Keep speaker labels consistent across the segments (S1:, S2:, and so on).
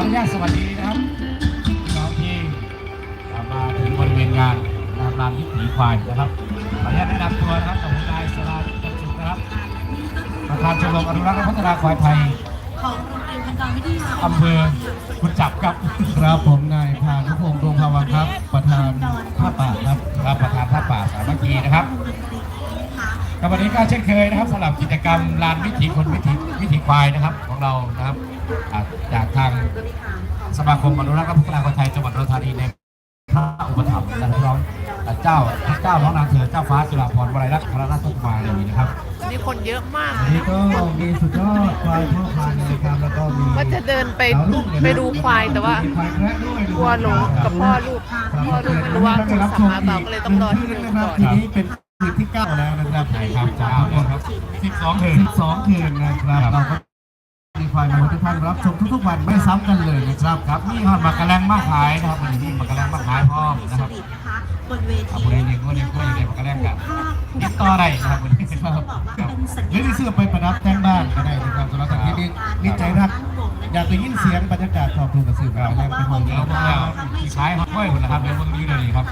S1: อนุญาตสวัสดีนะครับน้องที่มาถึงบริเวณงานลานวิถีควายนะครับขออนุญาตแนะนำตัวนะครับกับนายสราจันทร์สุขนะครับประธานชมรมอนุรักษ์และพัฒนาควายไทย
S2: ของโรงเรียนพันกรวิทยา
S1: อำเภอกุจจับครับ
S3: ครับผมนายพานุพงษ์ดวงภาวังครับประธานผ้าป่าครับ
S1: ประธานผ้าป่าสามัคคีนะครับกับวันนี้ก็เช่นเคยนะครับสำหรับกิจกรรมลานวิถีคนวิถีควายนะครับของเรานะครับจากทางสมาคมอนุรักษ์และพัฒนาควายไทยจังหวัดอุดรธานีในพระอุปถัมภ์นะครับน้องเจ้าน้องนางเธอเจ้าฟ้าจุฬาภรณ์วลัยลักษณ์พระราชกุมารีนะครับ
S4: นี่คนเยอะมาก
S3: นี่ก็มีสุดยอดควายพ่อพันธุ์นะครับแล้วก็มี
S4: ว่าจะเดินไปดูควายแต่ว่ากลัวหลงกับพ่อลูกไม่รู้ว่าคุณสามารถเปล่าก็เลยต้องรอที่นึงก่อน
S3: ทีนี้เป็นคืนที่9แล้วนะครับ
S1: ใช่ครับ9ครับ12
S3: คืนนะครับเราก็มีควายมาทุกท่านรับชมทุกๆวันไม่ซ้ำกันเลยนะครับ
S1: ครับนี่ฮอดมากระแลงมากขายนะครับวันนี้มากระแลงมากขายพร้อมนะครับผู้ใดเลี้ยงก็เลี้ยงก็อย่างเดียวมากระแลงกันติดต่อได้นะครับวันนี้ครับ
S3: หรือที่เสื้อไปประดับแต่งบ้านก็ได้นะครับสำหรับท่านที่นิจใจรักอยากไปยินเสียงบรรยากาศขอบคุณกับสื่อการแรงเป็นห้อง
S1: เดียวที่ใช้ห้องห้อยคนนะครับเดี๋ยววันนี้เลยครับ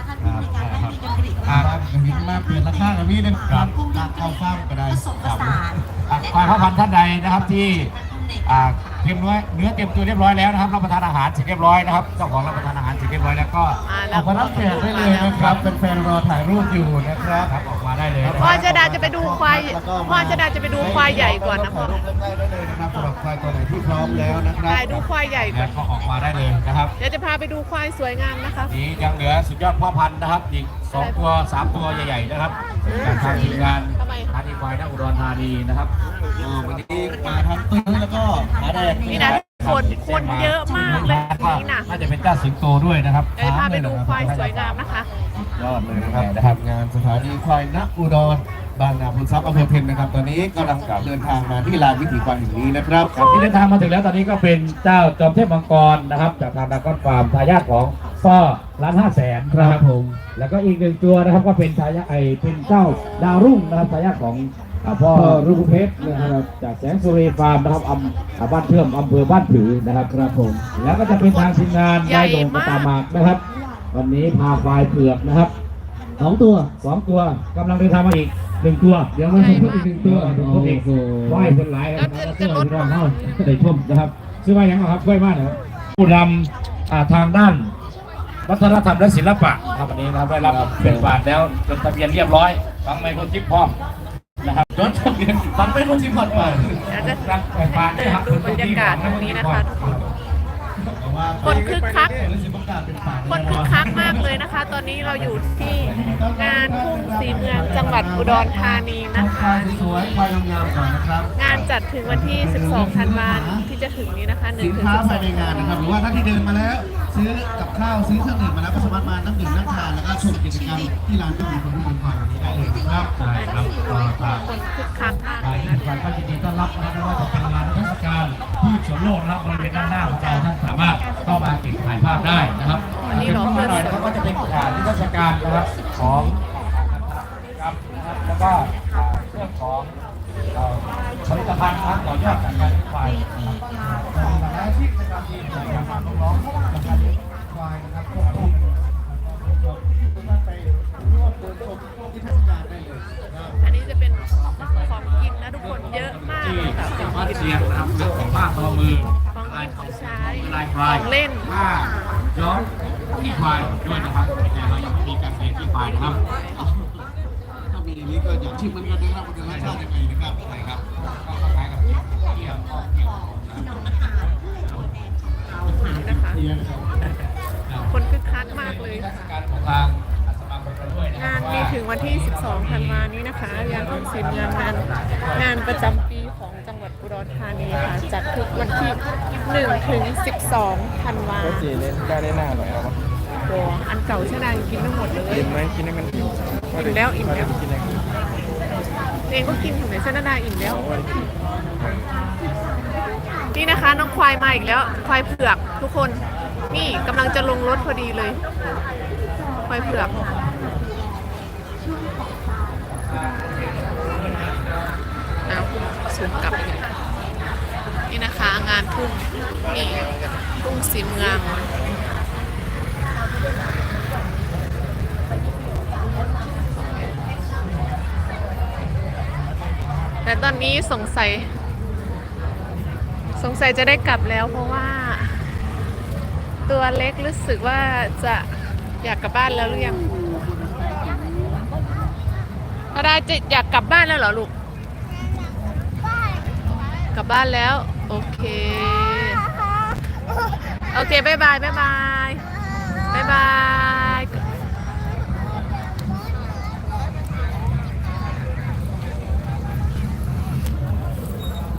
S3: เห็นมาเปลี่ยนราคากับนี้เนี่ยครับเอาฟ้ามก็ได้
S1: ควายพ่อพันธุ์ท่านใดนะครับที่เตรียมเนื้อเตรียมตัวเรียบร้อยแล้วนะครับรับประทานอาหารเสร็จเรียบร้อยนะครับเจ้าของรับประทานอาหารเสร็จเรียบร้อยแล้วก็
S3: ออกมารับแขกได้เลยนะครับเป็นแฟนรอถ่ายรูปอยู่นะครับ
S1: ออกมาได้เลย
S4: พ่อจะดาจะไปดูควายพ่อจะดาจะไปดูควายใหญ่ก่อนนะพ่อ
S3: ได้เลยนะครับสำหรับควายตัวไหนที่พร้อมแล้วนะครับ
S4: ไปดูควายใหญ่ก่อน
S1: ก็ออกมาได้เลยนะครับ
S4: เดี๋ยวจะพาไปดูควายสวยงามนะคะ
S1: นี่ยังเหลือสุดยอดพ่อพันธุ์นะครับอีก2 ตัว 3 ตัวใหญ่ๆนะครับจากทางทีมงานธานีควายนักอุดรธานีนะครับ
S3: วันนี้มาทั้งตื้อแล้วก็หาแดง
S4: นี่นะคนเยอะมากเลยนี่นะ
S1: น่าจะเป็นเจ้าสิงโตด้วยนะครับ
S4: เดี๋ยวพาไปดูควายสวยงามนะคะ
S3: ยอดเลยนะครับงานสถานีควายนักอุดรบางนาพุนทรัพย์อำเภอเพนนะครับตอนนี้กำลังเดินทางมาที่ลานวิถีควายแห่งนี้นะครับ
S1: ที่เดินทางมาถึงแล้วตอนนี้ก็เป็นเจ้าจอมเทพมังกรนะครับจากทางดากอนฟาร์มทายาทของพ่อ1,500,000ครับผมแล้วก็อีก1ตัวนะครับก็เป็นทายาทเป็นเจ้าดาวรุ่งนะครับทายาทของพ่อรุ่งเพชรนะครับจากแสงสุรีฟาร์มนะครับบ้านเทื่อมอำเภอบ้านผือนะครับครับผมแล้วก็จะเป็นทางทีมงานนายโด่งกตามากนะครับวันนี้พาควายเผือกนะครับ2 ตัวกำลังเดินทางมาอีก1 ตัวเดี๋ยวมาชมอีก1 ตัวโอ้โหว่ายเป็นหลายนะครับเสื้อที่เราเข้าได้ชมนะครับชื่อว่าอย่างไรครับช่วยมากนะครับผู้นำทางด้านวัฒนธรรมและศิลปะครับวันนี้นะครับได้รับเป็นบาทแล้วจดทะเบียนเรียบร้อยฟังไมโครชิปพร้อมนะครับจดทะเบียนฟังไมโครชิปพร้อม
S4: จะดูบรรยากาศตรงนี้นะคะคนคึกคักมากเลยนะคะตอนนี้เราอยู่ที่งานทุ่งสีเมืองจังหวัดอุดรธานีนะคะงานจัดถึงวันที่12 ธันวาคมที่จะถึงนี้นะคะ1 ถึง 12
S3: ภายในงานนะครับหรือว่าท่านที่เดินมาแล้วซื้อกับข้าวซื้อเครื่องดื่มมาแล้วก็สามารถมานั่งดื่มนั่งทานแล้วก็ชมกิจกรรมที่ร้านก็มีคนที่มีความวันนี้ได้เลยนะครับ
S1: ใช่ครับ
S4: คนคึกคักมากเลย
S1: นะก็ยินดีต้อนรับนะไม่ว่าจะเป็นงานเทศกาลที่สวนโลกนะครับบริเวณด้านหน้าของเราท่านสามารถเข้ามาเก็บถ่ายภาพได้นะครับ
S4: อันนี้เราเพื่อน
S1: เขาก็จะเป็นนิทรรศการนะครับของครับแล้วก็เรื่องของผลิตภัณฑ์นะครับต่อยอดจากการควายและที่จะทำทีมอย่างน้องๆจากการควายนะครับควบคุม
S3: ไปร่วมเดินชมพวกนิทรรศการได้เลย
S4: อันนี้จะเป็นของกินนะทุกคนเยอะมาก
S1: แบบเป็นของเสียงนะครับของผ้าทอมือ
S4: ของใช้
S1: ของเล่นผ้าย้อมที่ควายด้วยนะครับแต่เรายังมีการเรียนที่ควายนะครับ
S3: ถ้ามีนี้ก็อยากชิมมันกันนะครับมันจะรสชาติยังไงนะครับใช่ครับ
S1: ก็คล้ายกับเกี่ยว
S4: นะคะคนคึกคักมากเลยงานมีถึงวันที่ 12 ธันวาคมนี้นะคะงานทุ่งสีเมืองงานประจำปีของจังหวัดอุดรธานีค่ะจัดทุกวันที่1 ถึง 12 ธันวาคม
S3: สีเล่นได้หน้าหน่อยครับ
S4: ตัวอันเก่าชนะกินไม่หมดเลย
S3: อิ่มไหมกินให้มันอิ่
S4: มแล้วเองก็กินถึงไหนชนะอิ่มแล้วนี่นะคะน้องควายมาอีกแล้วควายเผือกทุกคนนี่กำลังจะลงรถพอดีเลยควายเผือกสูงกลับนี่นะคะงานทุ่งนี่ทุ่งสีเมืองแต่ตอนนี้สงสัยจะได้กลับแล้วเพราะว่า ตัวเล็กรู้สึกว่าจะอยากกลับบ้านแล้วหรือยังอะไรจะอยากกลับบ้านแล้วเหรอลูกกลับบ้านแล้วโอเคโอเคบ๊ายบายบ๊ายบายบ๊ายบาย